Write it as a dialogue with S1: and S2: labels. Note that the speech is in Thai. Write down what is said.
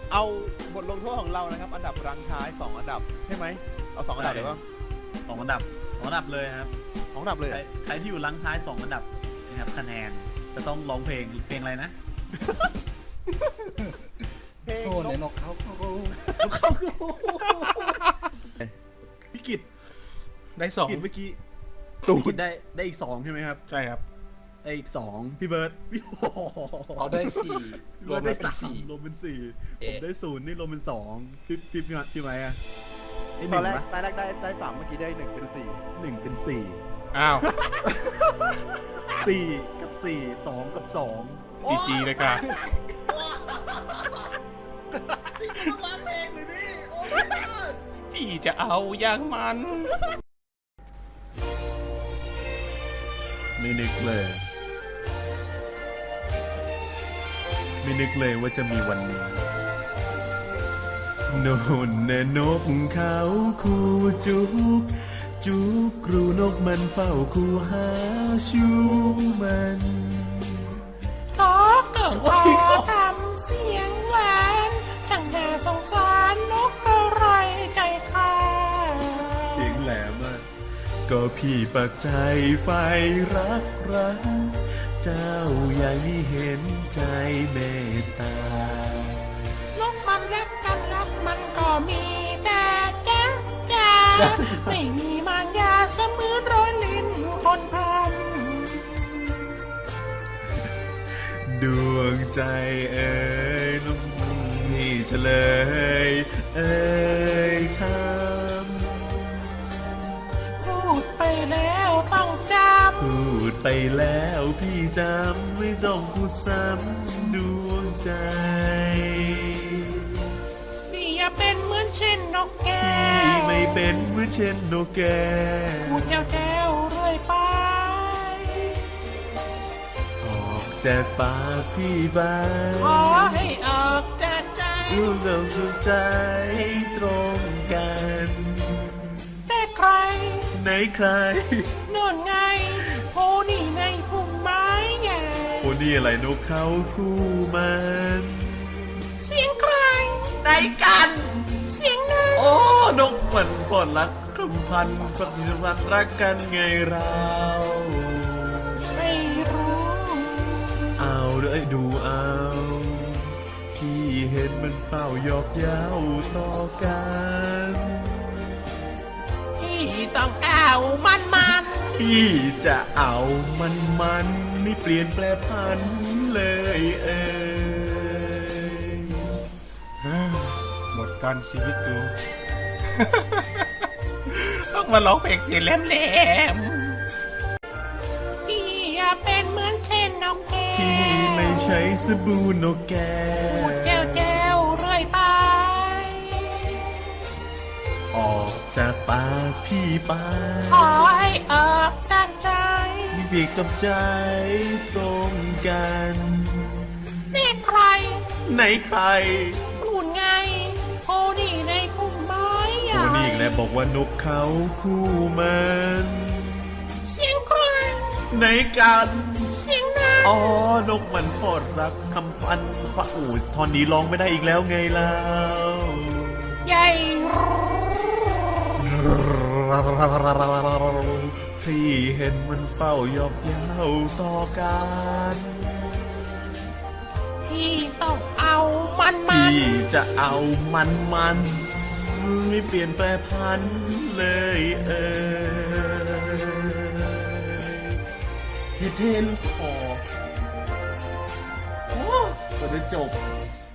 S1: เอาบทลงโทษของเรานะครับอันดับรังท้าย2อันดับใช่ไหมเอา2อันดับเลยป่ะ
S2: 2 อันดับเลยครับ
S1: 2อันดับเลย
S2: ใครที่อยู่ลังท้าย2 อันดับนะครับคะแนนจะต้องร้องเพลงอะไรนะ
S1: เพลง
S3: โอ้ในนกเขา
S2: พี่กิต
S3: ได้2
S2: เมื่อกี้
S1: ตู
S2: พี่กิ
S1: ด
S2: ตได้อีก2ใช่ไหมครับ
S3: ใช่ครับ
S2: ได้อีก2พี่เบิร์ดพี่โอ้โห
S3: เขาได้4รวม
S2: ได้
S3: เป็น
S2: 3รวมเป็น4ผม
S3: เอ๊ะ
S2: ได้0นี่รวมเป็น2พี่ไหมอะได้
S1: ตอน
S2: 1
S1: แรก
S2: ปะ
S1: ได้3เมื่อกี้ได้1เป็น
S2: 1เป็น4
S3: อ้าว
S2: 4กับ4 2กับ2
S3: จีจีเลยค่ะ
S2: ร้องเพลงเลยพี่โอ้
S3: พี่จะเอาอย่างมัน
S2: ไม่นึกเลยว่าจะมีวันนี้โน่นแน่นกเขาคู่จุกครูนกมันเฝ้าคู่หาชูมัน
S4: ขอเกิดขอทำเสียงหวานช่างน่าสงสารนกกระไรใจข้า
S2: เสียงแหลมอะก็พี่ปักใจไฟรักเจ้าอย่างนี้เห็นใจเมตตาน
S4: กมันรักกันรักมันก็มีแต่จ้าไม่มีมารยาเสมือนรอยลิ้นคนท
S2: ดวงใจเอ่ยน้องนี่เฉลยเอ่ยค
S4: ำพูดไปแล้วต้องจ
S2: ำพูดไปแล้วพี่จำไม่ต้องพูดซ้ำดวงใจ
S4: ำพี่อย่าเป็นเหมือนเช่นนกแก้
S2: พี่
S4: ว
S2: ไม่เป็นเหมือนเช่นนกแก้ว
S4: พูดแจ้วเรื่อยไป
S2: ออกจากปากพี่ไป
S4: ขอให้ออกจากใจ
S2: รู้เราสุขใจตรงกัน
S4: แต่ใคร
S2: ไหนใคร
S4: โน่นไงโพนี่ในพุ่มไม้ใหญ่
S2: คนนี้อะไรนกเขาคู่มัน
S4: เสียงใคร
S2: ไหนกัน
S4: เสียงนั้น
S2: โอ้นกมันปอดรักคำพันปฏิสัมพันธ์รักกันไงเรา
S4: ไม่รู้
S2: เอาเลยดูเอาพี่เห็นมันเฝ้ายอกเย้าต่อกัน
S4: พี่ต้องเอามัน
S2: พี่จะเอามันไม่เปลี่ยนแปลพันเลย
S3: หมดการชีวิตดู ต้องมาร้องเพลงเสียงแหลม
S4: พี่อย่าเป็นเหมือนเช่นนกแก้ว
S2: พี่ไม่ใช่สบู่นกแก้
S4: พูดแจ้วเรื่อยไป
S2: ออกจากปากพี่ไป
S4: ขอให้ออกจากใจ
S2: มีเพียงกับใจตรงกัน
S4: เรียกใคร
S2: ไหนใคร
S4: พูดไงโพนี่ในพุ่มไม้ใหญ่
S2: โอ้นี่อีกแล้วบอกว่านกเขาคู่มัน
S4: เสียงใคร
S2: ไหนกัน
S4: เสียงนั้น
S2: อ๋อนกมันพอดรักคำพันฟ้าอูดตอนนี้ร้องไม่ได้อีกแล้วไงเล่า
S4: ใหญ่
S2: พี่เห็นมันเฝ้ายอกเย้าต่อกัน
S4: พี่ต้องเอามัน
S2: พี่จะเอามันไม่เปลี่ยนแปลพันเลยเฮเทนคอโอ้จะได้จบ